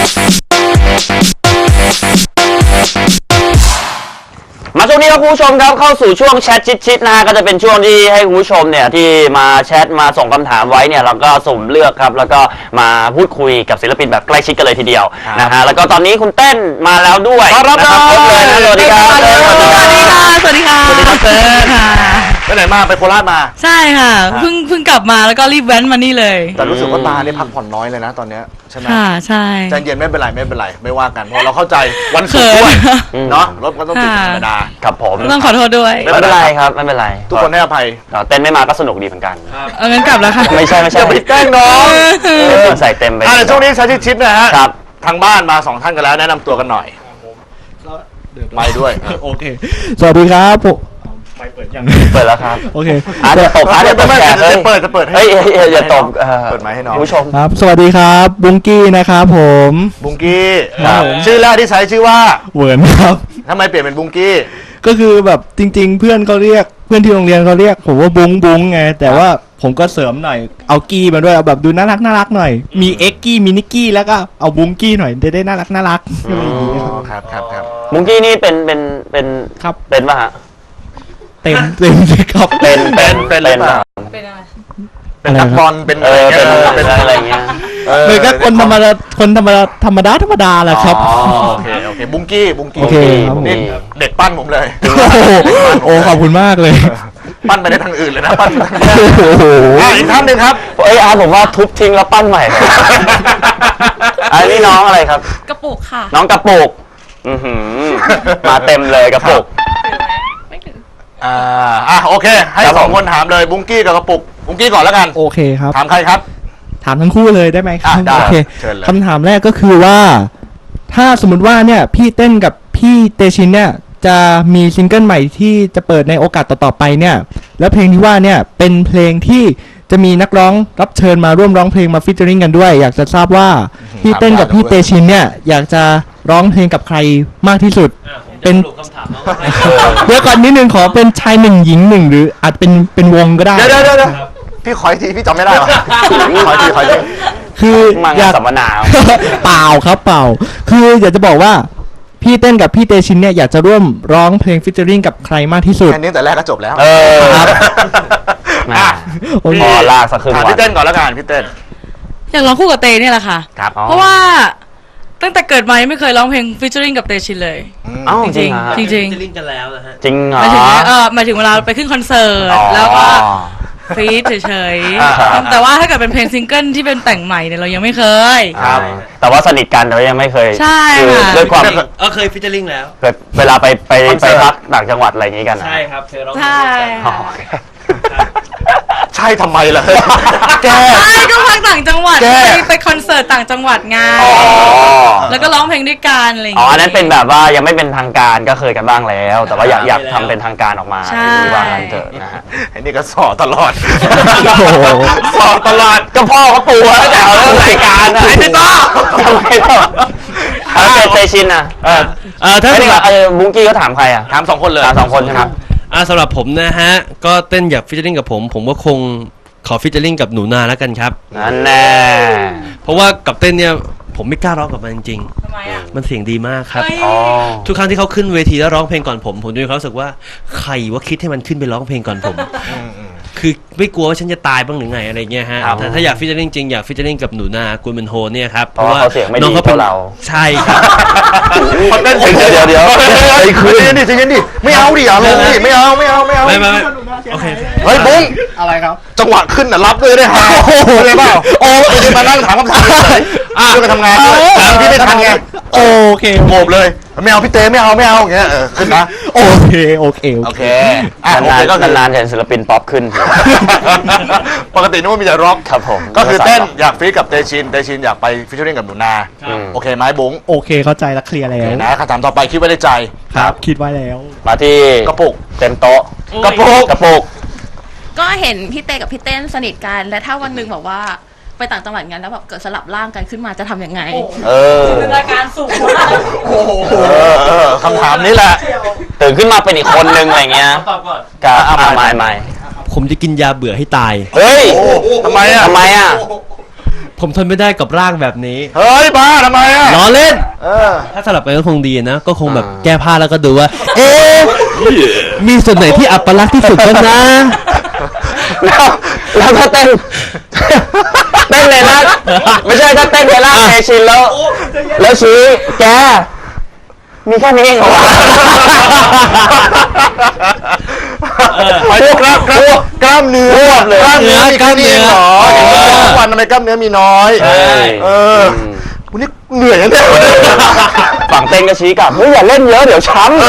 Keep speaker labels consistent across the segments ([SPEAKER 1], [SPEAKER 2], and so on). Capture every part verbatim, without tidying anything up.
[SPEAKER 1] มาช่วงนี้ครับคุณผู้ชมครับเข้าสู่ช่วงแชทชิดๆนะฮะก็จะเป็นช่วงที่ให้คุณผู้ชมเนี่ยที่มาแชทมาส่งคำถามไว้เนี่ยเราก็สุ่มเลือกครับแล้วก็มาพูดคุยกับศิลปินแบบใกล้ชิดกันเลยทีเดียวนะฮะแล้วก็ตอนนี้คุณเต้นมาแล้วด้วยนะครับครบเลยนะสวัสดีครับสวัสดีค่ะ
[SPEAKER 2] สวัสดีค่ะสวัสดีครับ
[SPEAKER 3] เต้น
[SPEAKER 2] ค่ะ
[SPEAKER 3] ไปไหนมาไปโคราชมา
[SPEAKER 2] ใช่ค่ะเพิ่งเพิ่งกลับมาแล้วก็รีบแว้นมานี่เลย
[SPEAKER 3] แต่รู้สึกว่าตาเนี่ยพักผ่อนน้อยเลยนะตอนเนี้ยใช่ไหม
[SPEAKER 2] ค่ะใช่
[SPEAKER 3] ใจเย็นไม่เป็นไรไม่เป็นไรไม่ว่ากันเพราะเราเข้าใจวันศุกร์ด้วยเนาะรถก็ต้องติดธรรมดา
[SPEAKER 1] ครับผม
[SPEAKER 2] ต้องขอโทษด้วย
[SPEAKER 1] ไม่เป็นไรครับไม่เป็นไร
[SPEAKER 3] ทุกคนให้อภัย
[SPEAKER 1] เต้นไม่มาก็สนุกดีเหมือนกัน
[SPEAKER 2] เอางั้นกลับแล้วค่ะ
[SPEAKER 1] ไม่ใช่ไม่ใช่
[SPEAKER 3] ไปแกล้งน้อง
[SPEAKER 1] ใส่เต็มไป
[SPEAKER 3] ในช่วงนี้ใช้ชิดๆนะฮะทางบ้านมาสองท่านกันแล้วแนะนำตัวกันหน่อยไปด้วย
[SPEAKER 4] โอเคสวัสดีครับผม
[SPEAKER 1] ไปเปิดยังเปิดแล้วครับ
[SPEAKER 4] โอเค
[SPEAKER 1] อาจจะตบอาจจะตบแขก
[SPEAKER 3] จะเปิดจะเปิด
[SPEAKER 1] ให้อย่าตบ
[SPEAKER 3] เปิดไมค์ให้น้อง
[SPEAKER 1] ผู้ชม
[SPEAKER 4] ครับสวัสดีครับบุงกี้นะครับผม
[SPEAKER 3] บุงกี้ชื่อแรกที่ใช้ชื่อว่า
[SPEAKER 4] เหวินครับ
[SPEAKER 3] ทำไมเปลี่ยนเป็นบุงกี้
[SPEAKER 4] ก็คือแบบจริงๆเพื่อนเขาเรียกเพื่อนที่โรงเรียนเขาเรียกผมว่าบุงบุงไงแต่ว่าผมก็เสริมหน่อยเอากี้มาด้วยเอาแบบดูน่ารักน่ารักหน่อยมีเอ็กกี้มีนิกกี้แล้วก็เอาบุงกี้หน่อยจะได้น่ารักน่ารัก
[SPEAKER 3] ครับครับครับ
[SPEAKER 1] บุงกี้นี่เป็นเป็นเป็น
[SPEAKER 4] ครับ
[SPEAKER 1] เป็นป่ะฮะ
[SPEAKER 4] เต็มเต็มเลยครับ
[SPEAKER 1] เป็นเป็นเป็นเป็น
[SPEAKER 2] เป็นอะไร
[SPEAKER 3] เป็นนักบอลเป็นอะไร
[SPEAKER 1] เป็นอะไรเงี้ย
[SPEAKER 4] เลยก็คนธรรมดาคนธรรมดาธรรมดาธรรมดาแหละครับ
[SPEAKER 3] โอเคโอเคบุงกี้บุงกี้
[SPEAKER 1] นี่
[SPEAKER 3] เด็กปั้นผมเลย
[SPEAKER 4] โอ้ขอบคุณมากเลย
[SPEAKER 3] ปั้นไปได้ทางอื่นเลยนะปั้นอีกท่านหนึ่งครับ
[SPEAKER 1] เอ้ยอาผมว่าทุบทิ้งแล้วปั้นใหม่เลยอันนี้น้องอะไรครับ
[SPEAKER 2] กระปุกค่ะ
[SPEAKER 1] น้องกระปุกมาเต็มเลยกระปุก
[SPEAKER 3] อ่าอ่ะโอเคให้สองคนถามเลยบุงกี้กับกระปุกบุงกี้ก่อนแล้วกัน
[SPEAKER 4] โอเคครับ
[SPEAKER 3] ถามใครครับ
[SPEAKER 4] ถามทั้งคู่เลยได้ไหมครับ
[SPEAKER 3] โอเค
[SPEAKER 4] คำถามแรกก็คือว่าถ้าสมมติว่าเนี่ยพี่เต้นกับพี่เตชินเนี่ยจะมีซิงเกิลใหม่ที่จะเปิดในโอกาสต่อๆไปเนี่ยแล้วเพลงที่ว่าเนี่ยเป็นเพลงที่จะมีนักร้องรับเชิญมาร่วมร้องเพลงมาฟีเจอริ่งกันด้วยอยากจะทราบว่าพี่เต้นกับพี่เตชินเนี่ยอยากจะร้องเพลงกับใครมากที่สุดเป็นเดี๋ยวก่อนนิดนึงขอเป็นชายหนึ่งหญิงหนึ่งหรืออาจเป็นเป็นวงก็ได้
[SPEAKER 3] เดี๋ยวเดี๋ยวพี่ขอทีพี่จำไม่ได้หรอขอทีขอที
[SPEAKER 4] คือ
[SPEAKER 1] อยากสัมมนา
[SPEAKER 4] เปล่าครับเปล่าคืออยากจะบอกว่าพี่เต้นกับพี่เตชินเนี่ยอยากจะร่วมร้องเพลงฟีเจอริ่งกับใครมากที่สุด
[SPEAKER 3] แค่นี้แต่แรกก็จบแล้ว
[SPEAKER 1] เออพอลากสักครึ่งวัน
[SPEAKER 3] พี่เต้นก่อนแล้วกันพี่เต้น
[SPEAKER 2] อยากร้องคู่กับเตเนี่ยแหละค่ะ เพราะว่าตั้งแต่เกิดมาไม่เคยร้องเพลงฟีเจอริ่งกับเตชินเลย
[SPEAKER 1] จริง
[SPEAKER 2] จริงจริง
[SPEAKER 1] ฟีเจอ
[SPEAKER 2] ริ่งกันแล้วนะฮะ
[SPEAKER 1] จริงเหรอ
[SPEAKER 2] หมายถึงเออหมายถึงเวลาไปขึ้นคอนเสิร์ตแล้วก็ฟีดเฉยๆแต่ว่าถ้าเกิดเป็นเพลงซิงเกิลที่เป็นแต่งใหม่เนี่ยเรายังไม่เคย
[SPEAKER 1] ครับแต่ว่าสนิทกันแต่ว่ายังไม่เคย
[SPEAKER 2] ใช่
[SPEAKER 1] ค่ะด้วยความ
[SPEAKER 5] เออเคยฟีเจอริ่งแล้ว
[SPEAKER 1] เวลาไปไปไปพักต่างจังหวัดอะไรอย่างงี้กัน
[SPEAKER 5] ใช่ครับเคยร้อง
[SPEAKER 2] ใช่
[SPEAKER 3] ใช่ทำไมล่ะ
[SPEAKER 2] แกใช่ก็พักต่างจังหวัดไปไปคอนเสิร์ตต่างจังหวัดไงแล้วก็ร้องเพลงด้วยกันอะไรอย่าง
[SPEAKER 1] เงี้ยอ๋อ
[SPEAKER 2] อั
[SPEAKER 1] นนั้นเป็นแบบว่ายังไม่เป็นทางการก็เคยกันบ้างแล้วแต่ว่าอยากอยากทำเป็นทางการออกมาว่ากันเถอะนะฮะ
[SPEAKER 3] ไอ้นี่ก็สอตลอด
[SPEAKER 1] สอตลอดก็พ่อเขาปูแล้วแต่เอาเรื่องรายการนะไอ้พี่ต้อทำไมต้อเอาเตชินอ่ะเออเออถ้าเออบุ้งกี้ก็ถามใครอ่ะ
[SPEAKER 3] ถามสองคนเลย
[SPEAKER 1] ถามสองคนใช่ไหม
[SPEAKER 5] อ่าสำหรับผมนะฮะก็เต้นอยากฟีเจอริ่งกับผมผมก็คงขอฟีเจอริ่งกับหนูนาแล้วกันครับ
[SPEAKER 1] นั่นแน่
[SPEAKER 5] เพราะว่ากับเต้นเนี่ยผมไม่กล้าร้องกับมันจริง
[SPEAKER 2] ๆทำไมอ่ะ
[SPEAKER 5] มันเสียงดีมากครับทุกครั้งที่เขาขึ้นเวทีแล้วร้องเพลงก่อนผมผมจะมีความรู้สึกว่าใครว่าคิดให้มันขึ้นไปร้องเพลงก่อนผมคือไม่กลัวว่าฉันจะตายบ้างหรือไงอะไรเงี้ยฮะแต่ถ้าอยากฟีเจอริ่งจริงอยากฟีเจอริ่งกับหนูนากุลเมนโฮเนี่ยครับ
[SPEAKER 1] เพราะว่าน้องเขาเป็นเรา
[SPEAKER 5] ใช่ครับ
[SPEAKER 3] พอเต้นเดี๋ยวเดี๋ยวเดี๋ยวไอ้คืนนี่ใจเย็นดิไม่เอาดิอย่าลงดิไม่เอาไม่เอาไม่เอา
[SPEAKER 5] ไม่ไม่โอเค
[SPEAKER 3] เฮ้ยบุ้ง
[SPEAKER 4] อะไรครับ
[SPEAKER 3] จังหวะขึ้นน่ะรับเลยได้ฮะโอ้โหเลยเปล่าโอ้ยมานั่งถามคำถามเลยอ่ะช่วยกันทำงานถามพี่ไม่ทันไง
[SPEAKER 4] โอเค
[SPEAKER 3] โง่เลยไม่เอาพี่เต้ไม่เอาไม่เอาอย่างเงี้ยเออขึ้นนะ
[SPEAKER 4] โอเคโอเค
[SPEAKER 3] โอเค
[SPEAKER 1] นานๆก็นานๆเห็นศิลปินป๊อปขึ้น
[SPEAKER 3] ปกตินึกว่ามีแต่ร็อก
[SPEAKER 1] ครับผม
[SPEAKER 3] ก็คือเต้นอยากฟีดกับเตชินเตชินอยากไปฟีเจอริ่งกับหนูนาโอเคไหมบุ้ง
[SPEAKER 4] โอเคเข้าใจแล้วเคลียร์แล้ว
[SPEAKER 3] นะคำถามต่อไปคิดไว้ในใจ
[SPEAKER 4] ครับคิดไว้แล้ว
[SPEAKER 1] มาที่
[SPEAKER 3] กระปุก
[SPEAKER 1] เต็มโต๊ะ
[SPEAKER 3] กระปุก
[SPEAKER 1] กระปุก
[SPEAKER 2] ก็เห็นพี่เต้กับพี่เต้นสนิทกันและถ้าวันหนึ่งแบบว่าไปต่างจังหวัดกันแล้วแบบเกิดสลับร่างกันขึ้นมาจะทำยังไง
[SPEAKER 1] เออ
[SPEAKER 2] รายการสูง
[SPEAKER 3] โอ้โหคำถามนี้แหละ
[SPEAKER 1] ตื่นขึ้นมาเป็นอีกคนนึงอะไรเงี้ย
[SPEAKER 5] ตอบก่อน
[SPEAKER 1] กับอ่าไม่ไม่
[SPEAKER 5] ผมจะกินยาเบื่อให้ตาย
[SPEAKER 1] เฮ้ย
[SPEAKER 3] ทำไมอ่ะ
[SPEAKER 1] ทำไมอ่ะ
[SPEAKER 5] ผมทนไม่ได้กับร่างแบบนี้
[SPEAKER 3] เฮ้ยบ้าทำไมอ่ะ
[SPEAKER 5] ล้อเล่น
[SPEAKER 3] เออ
[SPEAKER 5] ถ้าสลับกันก็คงดีนะ ก็คงแบบแก้ผ้าแล้วก็ดูว่า เอ๊ะมีส่วนไหนที่อัปลักษณ์ที่สุดบ้างนะ
[SPEAKER 1] แล้วแล้วถ้าเต้นเต้นเลยนะไม่ใช่ถ้าเต้นเลยล่าเตชินแล้ว แล้วชี้แกมีแค่นี้เองเหรอวะ
[SPEAKER 3] ไปดูกล้ามกล้ามกล้ามเนื้อกล้ามเนื้อมีแค่นี้เองเหรอทุกวันทำไมกล้ามเนื้อมีน้อย
[SPEAKER 1] ใช่
[SPEAKER 3] เออวันนี้เหนื่อยนะเนี่ย
[SPEAKER 1] ฝั่งเต้นก็ชี้กลับเฮ้ยอย่าเล่นเยอะเดี๋ยวช้ำ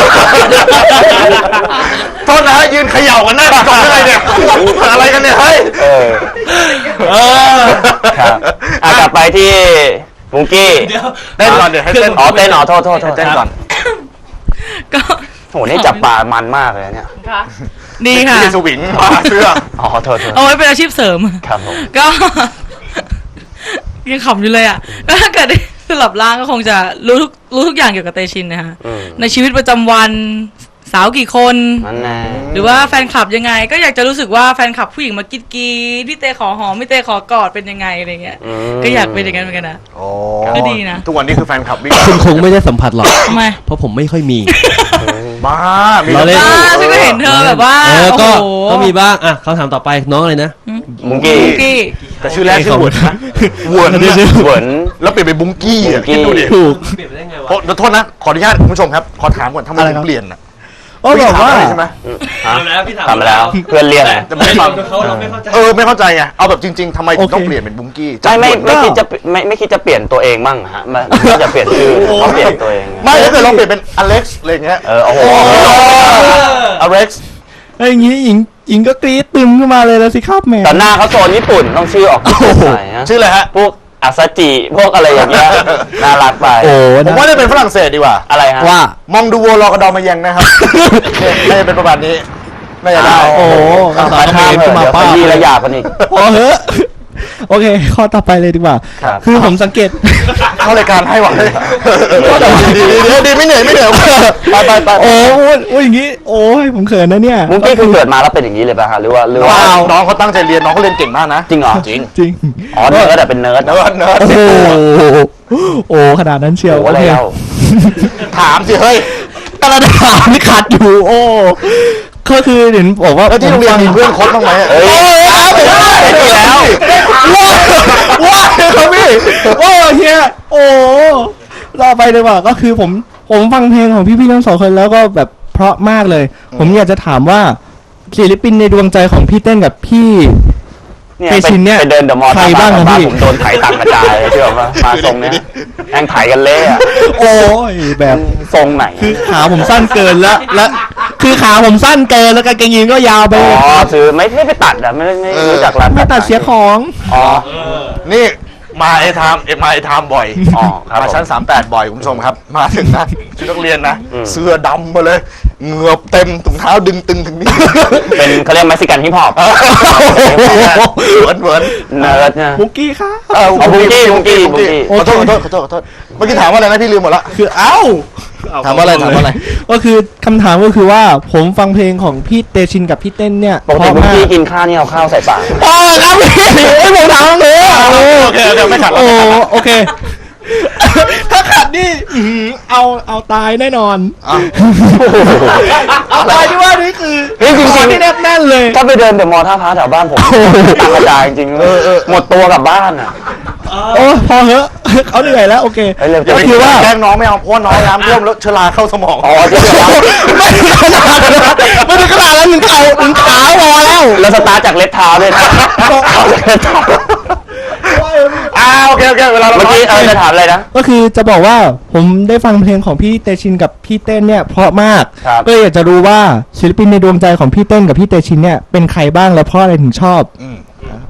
[SPEAKER 3] โทษนะยืนเขย่ากันหน้ากล่องอะไรเนี่ยอะไรกันเนี่ยเฮ้ย
[SPEAKER 1] เออ
[SPEAKER 3] เออ
[SPEAKER 1] ครับอ่ะกลับไปที่บุงกี้
[SPEAKER 3] เต้นก่อนเดี๋ยวให้เต้น
[SPEAKER 1] อ๋อเต้นอ๋อโทษโทษโทษ
[SPEAKER 3] เต้นก่อน
[SPEAKER 2] ก็
[SPEAKER 1] โหนี่จับปลามันมากเลยเนี่ย
[SPEAKER 2] ดีค่ะ
[SPEAKER 3] นี่สวิงมาเสื้อ
[SPEAKER 1] อ๋อโทษโทษ
[SPEAKER 2] เอาไว้เป็นอาชีพเสริม
[SPEAKER 1] ครับผม
[SPEAKER 2] ก็ ยังขำอยู่เลยอ่ะก็ถ้าเกิดได้สลับร่างก็คงจะรู้ทุกรู้ทุกอย่างเกี่ยวกับเตชินนะคะ
[SPEAKER 1] อืม
[SPEAKER 2] ในชีวิตประจำวันสาวกี่คน
[SPEAKER 1] นั่นแน่
[SPEAKER 2] หรือว่าแฟนคลับยังไง ก็อยากจะรู้สึกว่าแฟนคลับผู้หญิงมากรีดกรีดพี่เตขอหอมพี่เตขอกอดเป็นยังไงอะไรเงี้ย
[SPEAKER 1] ม
[SPEAKER 2] ก็อยากเป็นอย่างนั้นเหมือนกันนะ
[SPEAKER 3] โอ้
[SPEAKER 2] ก็ดีนะ
[SPEAKER 3] ทุกวันนี้คือแฟนคลับวิ่ง
[SPEAKER 5] คุณคงไม่ได้สัมผัสหรอก
[SPEAKER 2] ทำไม
[SPEAKER 5] เพราะผมไม่ค่อยมี
[SPEAKER 3] บ้ามี
[SPEAKER 5] เราเล่น
[SPEAKER 2] อ่าฉันก็เห็นเธอแบบว่า
[SPEAKER 5] เออก็
[SPEAKER 2] โอ้โห
[SPEAKER 5] ก็มีบ้าง อ่ะคำถามต่อไปน้องอะไรนะ
[SPEAKER 1] บุงกี้
[SPEAKER 2] บุ้งกี้
[SPEAKER 3] แต่ชื่อแรกชื่อหวนนะหวนนะ
[SPEAKER 1] เหวิน
[SPEAKER 3] แล้วเปลี่ยนเป็นบุ้งกี้อ่ะ
[SPEAKER 1] บุ้งกี้
[SPEAKER 3] คิดดูดิ
[SPEAKER 4] ถูก
[SPEAKER 5] เปลี่ยนไปได้ไงวะ
[SPEAKER 3] โอ้เดี๋ยวโทษนะขออนุญาตคุณผู้ชมครับขอถามก่อนทำไม
[SPEAKER 4] อะไร
[SPEAKER 3] ถึ
[SPEAKER 4] ครั
[SPEAKER 3] ง
[SPEAKER 4] บ
[SPEAKER 3] เปลี่ยนอ่ะ
[SPEAKER 4] โอ้บอกว่า
[SPEAKER 3] ใช่ไหม
[SPEAKER 1] ฮะ
[SPEAKER 5] ทำแล้วพี่ถาม
[SPEAKER 1] ทำไปแล้วเพื่อนเรียก
[SPEAKER 3] แต่ไม่ฟัง
[SPEAKER 5] เขาเราไม่เข้าใจ
[SPEAKER 3] เออไม่เข้าใจไงเอาแบบจริง ๆทำไมถึงต้อง
[SPEAKER 4] โอเค
[SPEAKER 3] เปลี่ยนเป็นบุ้งกี้
[SPEAKER 1] ไม่ไม่
[SPEAKER 3] จากหวน
[SPEAKER 1] ไม่คิดจะไม่ไม่คิดจะเปลี่ยนตัวเองบ้างฮะไม่ไม่จะเปลี่ยนชื่อเขาเปลี่ยนตัวเอง
[SPEAKER 3] ไม่ถ้าเกิดเราเปลี่ยนเป็นอเล็กซ์อะไรอย่างเงี้ย
[SPEAKER 1] เออโอ้โห
[SPEAKER 3] อเล็กซ์
[SPEAKER 4] แล้วอย่างนี้หญิงหญิงก็กรี๊ดตึมขึ้นมาเลยแล้วสิครับแหม่
[SPEAKER 1] แต่หน้าเขาโซนญี่ปุ่นต้องชื่อออกญี่ปุ่นหน่อยฮะ
[SPEAKER 3] ชื่ออะไรฮะ
[SPEAKER 1] พวกอาซาจิพวกอะไรอย่างเงี้ยน่ารักไป
[SPEAKER 4] โอ้
[SPEAKER 3] ผม
[SPEAKER 4] นะ
[SPEAKER 3] ว่าจะเป็นฝรั่งเศสดีกว่า
[SPEAKER 1] อะไรฮะ
[SPEAKER 4] ว่า
[SPEAKER 3] มองดูวัวรอกระดอมายังนะครับเนี่ยน่าจะเป็นประมาณนี้น่าจะได้
[SPEAKER 4] โอ้
[SPEAKER 1] ภาษาข้ามเถอะเดี๋ยวขยี้ระยากันอีก
[SPEAKER 4] พอเหอะโอเค ข้อต่อไปเลยดีกว่า
[SPEAKER 1] ครับ
[SPEAKER 4] คือผมสังเกต
[SPEAKER 3] เข้ารายการให้หวังเลยดีดีดีดีไม่เหนื่อยไม่เหนื่อยไปไปไป
[SPEAKER 4] โอ้ยโอ้ยอย่างนี้ โอ้ยผมเขินนะเนี่ย
[SPEAKER 1] มุ้งกี้คือเกิดมาแล้วเป็นอย่างนี้เลยป่ะฮะหรือว่าหรือว่า
[SPEAKER 3] น้องเขาตั้งใจเรียนน้องเขาเรียนเก่งมากนะ
[SPEAKER 1] จริงเหรอ
[SPEAKER 3] จริง
[SPEAKER 4] จริง
[SPEAKER 1] อ๋อเนิร์ดแต่เป็นเนิร์ด
[SPEAKER 3] เนิร์ดเนิร์ด
[SPEAKER 4] โอ้โหโอ้ขนาดนั้นเชียว
[SPEAKER 1] โอ้โห
[SPEAKER 4] โอเค
[SPEAKER 1] แล้ว
[SPEAKER 3] ถามสิเฮ้ย
[SPEAKER 4] กระดาษนี่ขาดอยู่ โอ้ก็คือเห็นบอกว่า
[SPEAKER 3] แล้วที่โรงเรียนมีเพื่อนคบบ้างไหม
[SPEAKER 1] เอ้ย
[SPEAKER 4] โอ้ยครับ
[SPEAKER 1] ไม่มีแล้ว
[SPEAKER 4] ว้าวว้าวครับพี่โอ้เฮียโอ้ต่อไปเลยว่าก็คือผมผมฟังเพลงของพี่ๆทั้งสองคนแล้วก็แบบเพราะมากเลย ผมอยากจะถามว่าศิลปินในดวงใจของพี่เต้นกับพี่
[SPEAKER 1] เนี่ย
[SPEAKER 4] เตชินเนี่ย
[SPEAKER 1] ไปเดินเดอะมอลล์
[SPEAKER 4] ใครบ้างอะพี่
[SPEAKER 1] ผมโดนไถตังกระจายเชื่อป่ะมาทรงเนี้ยแม่งไถกันเละอะ
[SPEAKER 4] โอ้ยแบบ
[SPEAKER 1] ทรงไหน
[SPEAKER 4] คือขาผมสั้นเกินแล้วและคือขาผมสั้นเกินแล้วกางเกงยีนก็ยาวไป
[SPEAKER 1] อ๋
[SPEAKER 4] เลย
[SPEAKER 1] อซื้อไม่ไม่ไปตัดอะไม่ไม่ไม่รู้จักร้าน
[SPEAKER 4] ไม่ตัดเสียของ
[SPEAKER 1] อ๋อ
[SPEAKER 3] นี่มาไอ้ไทม์เอ็มาไอ้ไทม์บ่อย
[SPEAKER 1] อ๋อครับ
[SPEAKER 3] มา
[SPEAKER 1] ผม
[SPEAKER 3] ชั้นสามแปดบ่อยคุณผู้ชมครับ มาถึงนะชุดนักเรียนนะ
[SPEAKER 1] อืม
[SPEAKER 3] เสื้อดำมาเลยเหงือบเต็มถุงเท้าดึงตึงถึงนี่
[SPEAKER 1] เป็นเขาเรียกเม็กซิกันฮิปฮอป
[SPEAKER 3] เหมือนเหมือน
[SPEAKER 1] เนิร์ดเนี่ย
[SPEAKER 4] บุกกี้ครับ
[SPEAKER 3] เออ
[SPEAKER 1] เอาบุ้งกี้บุ้งกี้บุ้งกี้
[SPEAKER 3] ขอโทษขอโทษขอโทษขอโทษเมื่อกี้ถามว่าอะไรนะพี่ลืมหมดละ
[SPEAKER 4] คือเอ้า
[SPEAKER 3] ถามว่าอะไรถามว่าอะไร
[SPEAKER 4] ก็คือคำถามก็คือว่าผมฟังเพลงของพี่เตชินกับพี่เต้นเนี่ย
[SPEAKER 1] ปกติบุ้ง
[SPEAKER 4] เพราะมาก
[SPEAKER 1] กี้กินข้าวนี่เอาข้าวใส่ปาก
[SPEAKER 4] โอ้ครับพี่ไอ้ยผมถามเลยอะโอ้
[SPEAKER 3] โอเคโอเคไม่ขัด
[SPEAKER 4] โอ้โอเค ถ้าขัดนี่อื้อหือเอาเอาตายแน่นอน
[SPEAKER 3] อ่ะ
[SPEAKER 4] เอาตายที่ว่านี่คือ
[SPEAKER 1] เฮ้ยจริงๆ
[SPEAKER 4] คอที่แนบแน่นเลย
[SPEAKER 1] ถ้าไปเดินเดอะมอลล์ท่าพระแถวบ้านผมตังกระจายจริงๆหมดตัวกลับบ้านอ่ะ
[SPEAKER 4] โอ้พอเหอะเขาเหนื่อยแล้วโอเค
[SPEAKER 1] เฮ้ยเร็ว
[SPEAKER 3] อย่า
[SPEAKER 1] จะ
[SPEAKER 3] ไป
[SPEAKER 1] ไป
[SPEAKER 3] คิ
[SPEAKER 1] คิ
[SPEAKER 3] ด
[SPEAKER 1] ด
[SPEAKER 3] ว่า
[SPEAKER 1] ว่า
[SPEAKER 3] แกล้งน้องไม่เอาเพราะว่าน้องน้ำท่วมแล้วเชื้อราเข้าสมอง
[SPEAKER 1] อ๋อจะ
[SPEAKER 4] ไม่ถึงขนาดนั้นไม่ถึงขนาดนั้นถึงเข่าถึงขาพอแล้ว
[SPEAKER 1] แล้วสตาร์ทจากเล็บเท้าด้วยนะเอาจากเล็บเท้า
[SPEAKER 3] อ่าโอเคโอเคเวลาเรา
[SPEAKER 1] เมื่อกี้เออจะถามอะไรนะ
[SPEAKER 4] ก็คือจะบอกว่าผมได้ฟังเพลงของพี่เตชินกับพี่เต้นเนี่ยเพราะมาก
[SPEAKER 1] ครับ
[SPEAKER 4] ก็เลยอยากจะรู้ว่าศิลปินในดวงใจของพี่เต้นกับพี่เตชินเนี่ยเป็นใครบ้างและเพราะอะไรถึงชอบ
[SPEAKER 3] อืม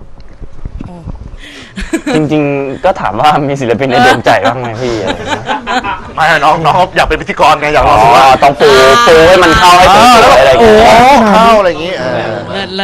[SPEAKER 1] จริงๆ ก็ถามว่ามีศิลปินในดวงใจบ้างไหมพี่อะไรอย่างเงี้ย
[SPEAKER 3] ไม่น้องน้องอยากเป็นพิธีกรไงอยาก
[SPEAKER 1] อ๋
[SPEAKER 3] ล
[SPEAKER 1] อ
[SPEAKER 3] องดูว่า
[SPEAKER 1] ต้องปูปูให้มันเข้าให้สวยๆอะไรอย่าง
[SPEAKER 3] โอ้
[SPEAKER 1] เงี้ย
[SPEAKER 3] เข้าอะไรอย่างงี้เออ
[SPEAKER 2] เลิศเลิศ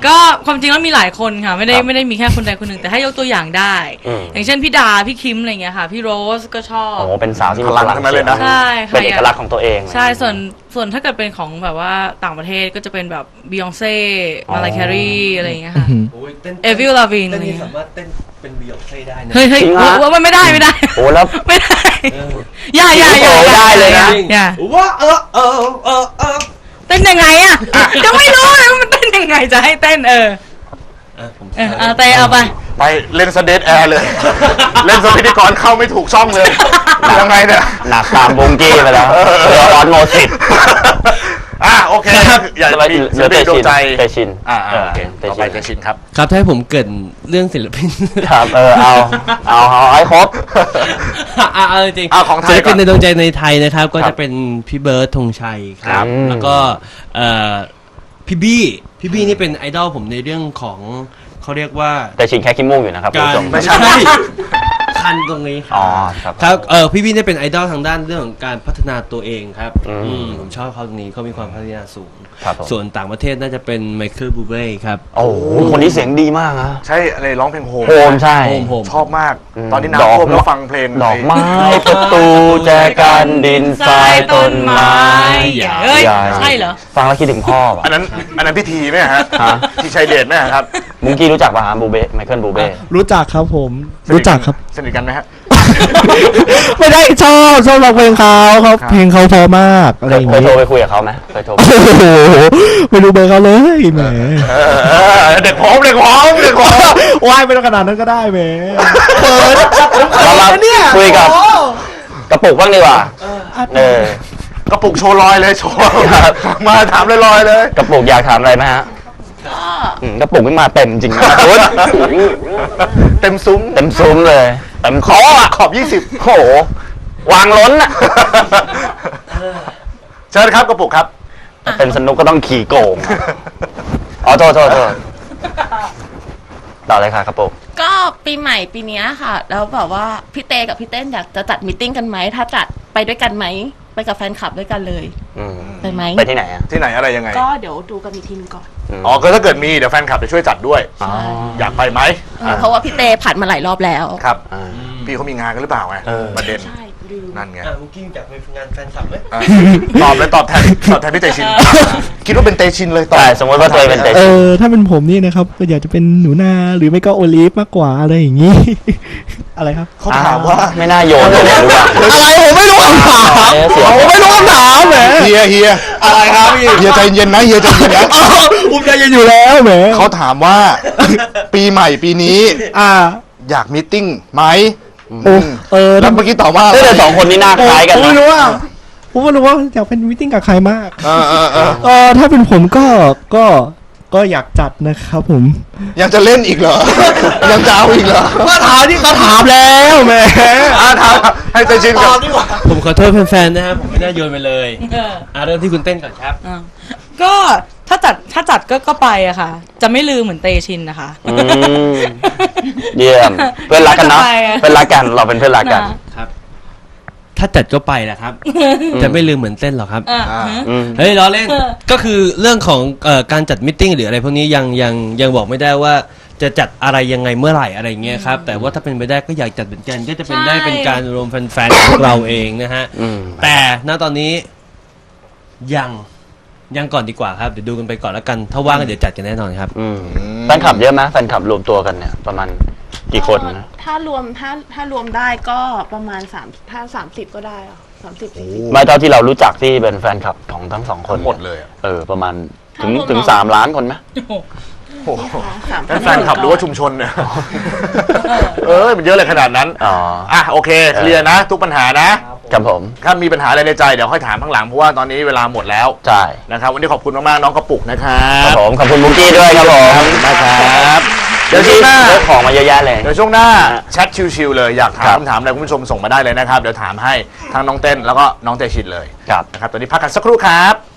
[SPEAKER 2] ก็ความจริงแล้วมีหลายคนค่ะไม่ได้
[SPEAKER 1] ครับ
[SPEAKER 2] ไม่ได้มีแค่คนใดคนหนึ่งแต่ให้ยกตัวอย่างได้
[SPEAKER 1] อืม
[SPEAKER 2] อย่างเช่นพี่ดาพี่คิมอะไรเงี้ยค่ะพี่โรสก็ชอบ
[SPEAKER 1] โอ้โหเป็นสาวที่มี
[SPEAKER 3] พลังทั้งนั้นเลยนะ
[SPEAKER 2] ใช่ค่ะ
[SPEAKER 1] เป็นเอกลักษณ์ของตัวเอง
[SPEAKER 2] ใช่ส่วนส่วนถ้าเกิดเป็นของแบบว่าต่างประเทศก็จะเป็นแบบบียองเซ่มาลายแครีอะไรอย่างเงี้ยค่ะ
[SPEAKER 5] โอ้ยเต้น
[SPEAKER 2] เอวิลลาวิน
[SPEAKER 5] เต้นนี่สามารถเต้นเป็นบียองเซ่ได้นะ
[SPEAKER 2] เฮ้ยเฮ้ย
[SPEAKER 1] จริงฮะ
[SPEAKER 2] ว่าว่าไม่ได้ไม่ได้
[SPEAKER 1] โอ้แล้ว
[SPEAKER 2] ไม่ได้อย่าอย่าอย่า
[SPEAKER 1] โอ้ได้เลยนะ
[SPEAKER 2] อย่า
[SPEAKER 5] ว่าเออเออเออเออ
[SPEAKER 2] เต้นยังไงอ่ะก็ไม่รู้เลยว่ามันเต้นยังไงจะให้เต้นเออ
[SPEAKER 5] เออผม
[SPEAKER 2] เออเอาเตะเอาไป
[SPEAKER 3] ไปเล่นสเดทแอร์เลย เล่นสพิธีกรเข้าไม่ถูกช่องเลยยังไงเนี่ย
[SPEAKER 1] หนักตามบุงกี้ไปแล้วเรือร้อนโมสิต
[SPEAKER 3] อ่ะโอเคอยากจะมีศิลปินดวงใจ
[SPEAKER 1] เตชิน
[SPEAKER 3] อ่าอ่าโอเค
[SPEAKER 1] เต
[SPEAKER 3] ต่อ
[SPEAKER 1] ชิ
[SPEAKER 3] ไป
[SPEAKER 1] น
[SPEAKER 3] เตชินครับ
[SPEAKER 5] ครับถ้าให้ผมเกรินเรื่องศิลปิน
[SPEAKER 1] ครับเออเอาเอาเอาให้ครบ
[SPEAKER 5] อ่าเอาจริง
[SPEAKER 3] เอาของไทย
[SPEAKER 5] ศิลปิน
[SPEAKER 3] ก่อน
[SPEAKER 5] ในดวงใจในไทยนะครับ ก็
[SPEAKER 1] ครับ
[SPEAKER 5] จะเป็นพี่เบิร์ดธงชัยครับ
[SPEAKER 1] อืม
[SPEAKER 5] แล้วก็เอ่อพี่บี้พี่บี้นี่เป็นไอดอลผมในเรื่องของเขาเรียกว่า
[SPEAKER 1] เตชินแค่ขี้มูกอยู่นะครับคุณ
[SPEAKER 5] การ
[SPEAKER 1] ผู้ชม
[SPEAKER 3] ไม่ใช่
[SPEAKER 5] คันตรงนี้ค
[SPEAKER 1] อ๋
[SPEAKER 5] รั
[SPEAKER 1] อบ ครับ
[SPEAKER 5] ครับเออพี่บี้เนี่ยเป็นไอดอลทางด้านเรื่องของการพัฒนาตัวเองครับ
[SPEAKER 1] อืม
[SPEAKER 5] อืมผมชอบเขาตรงนี้เขามีความพัฒนาสูง
[SPEAKER 1] ครับผม
[SPEAKER 5] ส่วนต่างประเทศน่าจะเป็นไมเคิลบูเบ้ครับ
[SPEAKER 1] โอ้โหคนนี้เสียงดีมากนะ
[SPEAKER 3] ใช่อะไรร้องเพลงโฮม
[SPEAKER 1] โฮมใช่
[SPEAKER 5] โฮมโฮม
[SPEAKER 3] ชอบมาก
[SPEAKER 1] อืม
[SPEAKER 3] ตอนนี้
[SPEAKER 1] ดอก
[SPEAKER 3] น้ำท่วมแล้วฟังเพลง
[SPEAKER 1] ดอกไม้ประตูแจกันดินทรายต้นไม้
[SPEAKER 2] เฮ้ย
[SPEAKER 1] ใหญ่
[SPEAKER 2] ใช่เหรอ
[SPEAKER 1] ฟังแล้วคิดถึงพ่อป่ะ
[SPEAKER 3] อันนั้นอันนั้นพิธีไหมฮะ
[SPEAKER 1] ฮะ
[SPEAKER 3] พี่ชัยเดชไหมครับ
[SPEAKER 1] มุงกี้รู้จักป่ะฮะบูเบ้ไมเคิลบูเบ้
[SPEAKER 4] รู้จักครับผม รู้จักครับ
[SPEAKER 3] สนิทกันไหมฮะ
[SPEAKER 4] ไม่ได้ชอบชอบร้องเพลงเขาเขา
[SPEAKER 3] ครับ
[SPEAKER 4] เพลงเขาเพอมากอะไรอย่าง
[SPEAKER 1] เคย
[SPEAKER 4] งี้
[SPEAKER 1] โทรไปคุยกับเขาไหมเคยโทร
[SPEAKER 4] โอ้โหไม่รู้เบอร์เขาเลยแหม
[SPEAKER 3] เออเออเด็กพร้อมเด็กพร้อมเด็กพร้อม
[SPEAKER 4] ว่ายไม่ต้องขนาดนั้นก็ได้แหมเปิด
[SPEAKER 1] เรามาคุยกับกระปุกบ้างดีกว่าเออก
[SPEAKER 3] ระปุกโชว์ลอยเลยโชว์มาถามลอยๆเลย
[SPEAKER 1] กระปุกอยากถามอะไรไหมฮะอืมกระปุกไม่มาเต็มจริงนะคุณ
[SPEAKER 3] เต็มซุ้ม
[SPEAKER 1] เต็มซุ้มเลยเต็มคออ่ะ
[SPEAKER 3] ขอบยี่สิบ
[SPEAKER 1] โอ้โหวางล้นอ่ะ
[SPEAKER 3] เชิญครับกระปุกครับ
[SPEAKER 1] เป็นสนุกก็ต้องขี่โกงอ๋อโทษโทษโทษต่อเลยค่ะกระปุก
[SPEAKER 6] ก็ปีใหม่ปีเนี้ยค่ะ แล้วแบบว่าพี่เตกับพี่เต้นอยากจะจัดมิทติ้งกันไหมถ้าจัดไปด้วยกันไหมไปกับแฟนคลับด้วยกันเลย
[SPEAKER 1] อืม
[SPEAKER 6] ไปไหม
[SPEAKER 1] ไปที่ไหนอ่ะ
[SPEAKER 3] ที่ไหนอะไรยังไง
[SPEAKER 6] ก็เดี๋ยวดูกันอีกทีนึงก่อน
[SPEAKER 1] ม
[SPEAKER 3] อ๋อก็ถ้าเกิดมีเดี๋ยวแฟนคลับจะช่วยจัดด้วย
[SPEAKER 1] อ๋อ
[SPEAKER 3] อยากไปไหม
[SPEAKER 6] เออเพราะว่าพี่เตผ่านมาหลายรอบแล้ว
[SPEAKER 3] ครับ
[SPEAKER 1] อ่า
[SPEAKER 3] พี่เขามีงานกันหรือเปล่าไง
[SPEAKER 1] เออ
[SPEAKER 3] ประเด็น
[SPEAKER 6] ใช่ลืม
[SPEAKER 3] นั่นไง
[SPEAKER 5] อ่ะมุกกี้อยากไปงานแฟนคลับไหม
[SPEAKER 3] อ่ะตอบเลยตอบแทนตอบแทนพี่เตชิน คิดว่าเป็นเตชินเลยตอบ
[SPEAKER 1] ใช่สมมติว่าตัวเองเป็นเต
[SPEAKER 4] เอ
[SPEAKER 1] ชิน
[SPEAKER 4] อถ้าเป็นผมนี่นะครับก็อยากจะเป็นหนูนาหรือไม่ก็โอลิฟมากกว่าอะไรอย่างงี้ อะไรครับ
[SPEAKER 3] เขาถามว่า
[SPEAKER 1] ไม่น่าโยนเลยเนี่ยรู้ป่ะ
[SPEAKER 4] อะไรผมไม่รู้คำถาม
[SPEAKER 1] เออเสียง
[SPEAKER 4] ผมไม่รู้คำถามแหม
[SPEAKER 3] เฮียเฮียอะไรครับพี่เฮียใจเย็นนะเฮียใจเย็นนะ
[SPEAKER 4] ผมใจเย็นอยู่แล้วแหม
[SPEAKER 3] เขาถามว่า ปีใหม่ปีนี้
[SPEAKER 4] อ่า
[SPEAKER 3] อยากมีตติ้งไหม
[SPEAKER 4] โอ้เออ
[SPEAKER 3] แล้
[SPEAKER 4] ถ้าว
[SPEAKER 3] เมื่อกี้ตอบว่า
[SPEAKER 1] เออแต่สองคนนี้หน้าคล้ายกัน
[SPEAKER 4] ผมไม่
[SPEAKER 1] นะ
[SPEAKER 4] รู้ว่าผมไม่รู้ว่าอยากเป็นมิทติ้งกับใครมาก
[SPEAKER 3] เออเออเออ
[SPEAKER 4] เออถ้าเป็นผมก็ก็ก็อยากจัดนะครับผม
[SPEAKER 3] ยังจะเล่นอีกเหรอ ยังจะเอาอีกเหรอ
[SPEAKER 4] ก็ถามที่ก็ถามแล้วแหม
[SPEAKER 3] อ่ะถามให้เตชินกับ
[SPEAKER 5] ผมขอโทษแฟนๆนะครับผมไม่น่าโยนไปเลย
[SPEAKER 2] เออ
[SPEAKER 5] อ่ะเริ่มที่คุณเต้นก่อนครับ
[SPEAKER 2] อ่ะก็ถ้าจัดถ้าจัดก็ก็ไปอะค่ะ จะไม่ลืมเหมือนเตชินนะคะ
[SPEAKER 1] อืมเยี่ยมเพื่อนรักกันเนาะ
[SPEAKER 2] ก็ไปอะ
[SPEAKER 1] เพื่อนรักกันเราเป็นเพื่อนรักกัน
[SPEAKER 5] ครับ ถ้าจัดก็ไปแหละครับจะไม่ลืมเหมือนเต้นหรอกครับ
[SPEAKER 2] อ่ะ
[SPEAKER 3] อ่า
[SPEAKER 2] ฮะ
[SPEAKER 1] อืม
[SPEAKER 5] เฮ้ยล้อเล่น
[SPEAKER 2] เออ
[SPEAKER 5] ก็คือเรื่องของเอ่อการจัดมิทติ้งหรืออะไรพวกนี้ยังยังยังบอกไม่ได้ว่าจะจัดอะไรยังไงเมื่อไหร่อะไรเงี้ยครับ แต่ว่าถ้าเป็นไปได้ก็อยากจัดเหมือนกัน ก็จะเป็นได้เป็นการรวมแฟนๆของพวกเราเองนะฮะ
[SPEAKER 1] อืม
[SPEAKER 5] แต่ณตอนนี้ยังยังก่อนดีกว่าครับเดี๋ยวดูกันไปก่อนแล้วกัน ถ้าว่างก็เดี๋ยวจัดกันแน่นอนครับ
[SPEAKER 1] อืมแฟนคลับเยอะไหมแฟนคลับรวมตัวกันเนี่ยประมาณกี่คนนะ
[SPEAKER 6] ถ้ารวมถ้าถ้ารวมได้ก็ประมาณสามถ้าสามสิบก็ได้อะสามสิบสี่สิบ
[SPEAKER 1] ไม่เท่าที่เรารู้จักที่เป็นแฟนคลับของทั้งสองคน
[SPEAKER 3] หมดเลยอะ
[SPEAKER 1] เออประมาณถึง
[SPEAKER 6] ทั้งรวม
[SPEAKER 1] ถึง
[SPEAKER 6] น้อง
[SPEAKER 1] สามล้านคนไหม
[SPEAKER 3] โอ้โห
[SPEAKER 6] สาม
[SPEAKER 3] นั่นแฟนคลับหรือว่าชุมชนเนี่ยเออมันเยอะเลยขนาดนั้น
[SPEAKER 1] อ๋อ
[SPEAKER 3] อ่ะโอเคเคลียร์นะ ทุกปัญหานะ
[SPEAKER 1] ครับผม
[SPEAKER 3] ถ้ามีปัญหาอะไรในใจเดี๋ยวค่อยถามข้างหลังเพราะว่าตอนนี้เวลาหมดแล้ว
[SPEAKER 1] ใช่
[SPEAKER 3] นะครับวันนี้ขอบคุณมากๆน้องกระปุกนะครั
[SPEAKER 1] ครับ บผมขอบคุณบุกกี้ด้วยครับผม
[SPEAKER 3] นะครับ
[SPEAKER 1] เดี๋
[SPEAKER 3] เดี๋
[SPEAKER 1] ย
[SPEAKER 3] ยว วช่วงหน้า
[SPEAKER 1] เรื่องของมาเยอะแยะเลย
[SPEAKER 3] เดี๋ยวช่วงหน้า
[SPEAKER 1] ฮะ
[SPEAKER 3] แชทชิวๆเลยอยากถา
[SPEAKER 1] ครั
[SPEAKER 3] ม
[SPEAKER 1] บ
[SPEAKER 3] คำถามอะไรคุณผู้ชมส่งมาได้เลยนะครับ เดี๋ยวถามให้ทั้งน้องเต้นแล้วก็น้องเตชินเลย
[SPEAKER 1] ครับ
[SPEAKER 3] นะครับตอนนี้พักกันสักครู่ครับ